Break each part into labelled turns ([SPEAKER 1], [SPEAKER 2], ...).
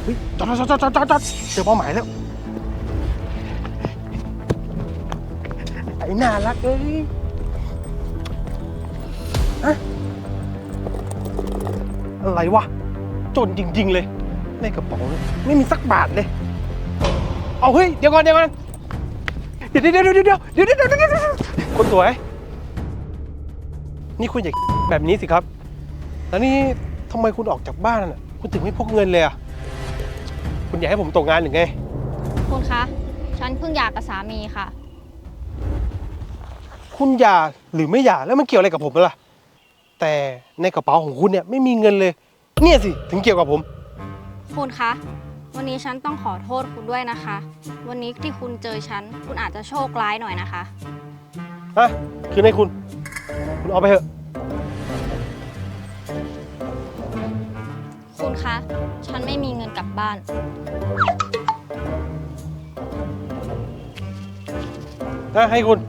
[SPEAKER 1] ฮ้ยจอดเจอเป้าหมายแล้วไอ้น่ารักเอ้ยฮะอะไรวะจนจริงๆเลยในกระเป๋าไม่มีสักบาทเลยเอาเฮ้ยเดี๋ยวก่อนเดี๋ยวคนสวยนี่คุณอย่าแบบนี้สิครับแล้วนี่ทำไมคุณออกจากบ้านน่ะคุณถึงไม่พกเงินเลยอ่ะคุณอยากให้ผมตกงานหรือไง
[SPEAKER 2] คุณคะฉันเพิ่งหย่ากับสามีค่ะ
[SPEAKER 1] คุณหย่าหรือไม่หย่าแล้วมันเกี่ยวอะไรกับผมล่ะแต่ในกระเป๋าของคุณเนี่ยไม่มีเงินเลยเนี่ยสิถึงเกี่ยวกับผม
[SPEAKER 2] คุณคะวันนี้ฉันต้องขอโทษคุณด้วยนะคะวันนี้ที่คุณเจอฉันคุณอาจจะโชคร้ายหน่อยนะคะ
[SPEAKER 1] ฮะคืนให้คุณเอาไปเถอะ
[SPEAKER 2] คุณคะฉันไม่มีเงินกลับบ้าน
[SPEAKER 1] ให้คุณ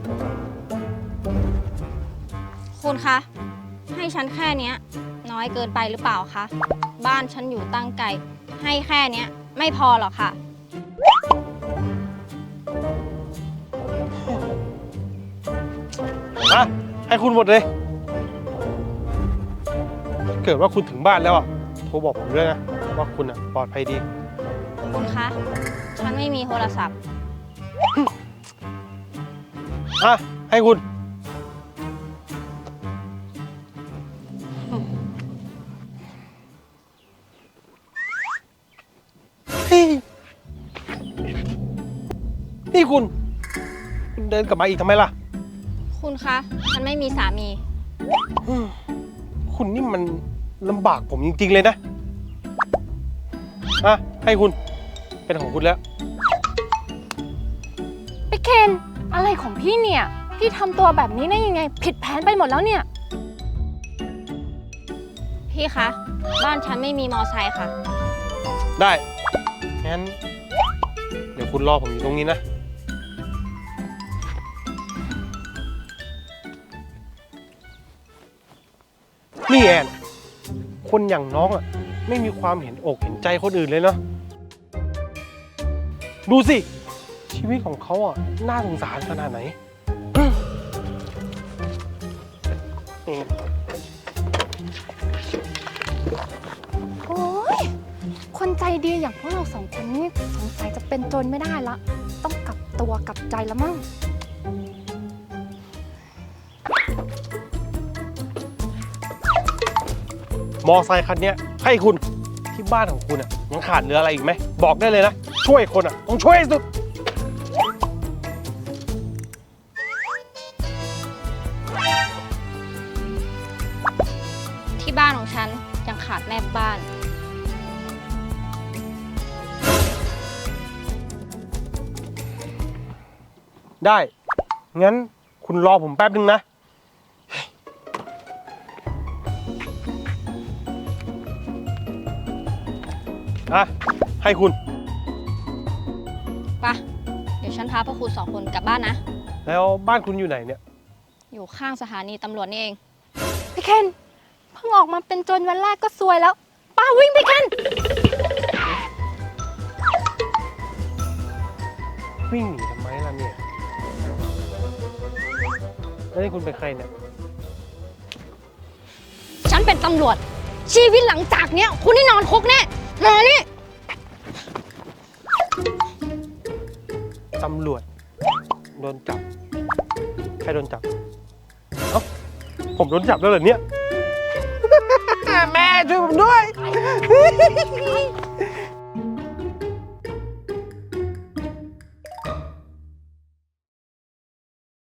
[SPEAKER 2] คะให้ฉันแค่นี้น้อยเกินไปหรือเปล่าคะบ้านฉันอยู่ตั้งไกลให้แค่นี้ไม่พอหรอกค่ะ
[SPEAKER 1] ให้คุณหมดเลยเกิดว่าคุณถึงบ้านแล้วอ่ะโทรบอกผมด้วยนะว่าคุณอ่ะปลอดภัยดี
[SPEAKER 2] คุณคะฉันไม่มีโทรศัพท์
[SPEAKER 1] ให้คุณนี่คุณเดินกลับมาอีกทำไมล่ะ
[SPEAKER 2] คุณคะฉันไม่มีสามี
[SPEAKER 1] คุณนี่มันลำบากผมจริงๆเลยนะให้คุณเป็นของคุณแล้ว
[SPEAKER 3] พี่เคนอะไรของพี่เนี่ยพี่ทำตัวแบบนี้ได้ยังไงผิดแผนไปหมดแล้วเนี่ย
[SPEAKER 2] พี่คะบ้านฉันไม่มีมอไซค์ค่ะ
[SPEAKER 1] ได้งั้นเดี๋ยวคุณรอผมอยู่ตรงนี้นะนี่แอนคนอย่างน้องอ่ะไม่มีความเห็นอกเห็นใจคนอื่นเลยเนาะดูสิชีวิตของเขาอ่ะน่าสงสารขนาดไหน
[SPEAKER 3] โอ้ยคนใจดีอย่างพวกเราสองคนนี่สงสัยจะเป็นโจรไม่ได้ละต้องกลับตัวกลับใจแล้วมั้ง
[SPEAKER 1] มอไซค์คันนี้ให้คุณที่บ้านของคุณอ่ะยังขาดเหลืออะไรอีกไหมบอกได้เลยนะช่วยคนอ่ะต้องช่วยสุด
[SPEAKER 2] ที่บ้านของฉันยังขาดแม่บ้าน
[SPEAKER 1] ได้งั้นคุณรอผมแป๊บนึงนะให้คุณ
[SPEAKER 2] ไปเดี๋ยวฉันพาพวกคุณสองคนกลับบ้านนะ
[SPEAKER 1] แล้วบ้านคุณอยู่ไหนเนี่ย
[SPEAKER 2] อยู่ข้างสถานีตำรวจนี่เอง
[SPEAKER 3] พี่เคนเพิ่งออกมาเป็นโจรวันแรกก็ซวยแล้วป้าวิ่งพี่เคน
[SPEAKER 1] วิ่งหนีทำไมล่ะเนี่ยแล้วนี่คุณเป็นใครเนี่ย
[SPEAKER 2] ฉันเป็นตำรวจชีวิตหลังจากเนี้ยคุณนี่นอนคุกแน่มานี่
[SPEAKER 1] ตำรวจโดนจับใครโดนจับผมโดนจับแล้วเหรอเนี่ยแม่ช่วยผมด้วย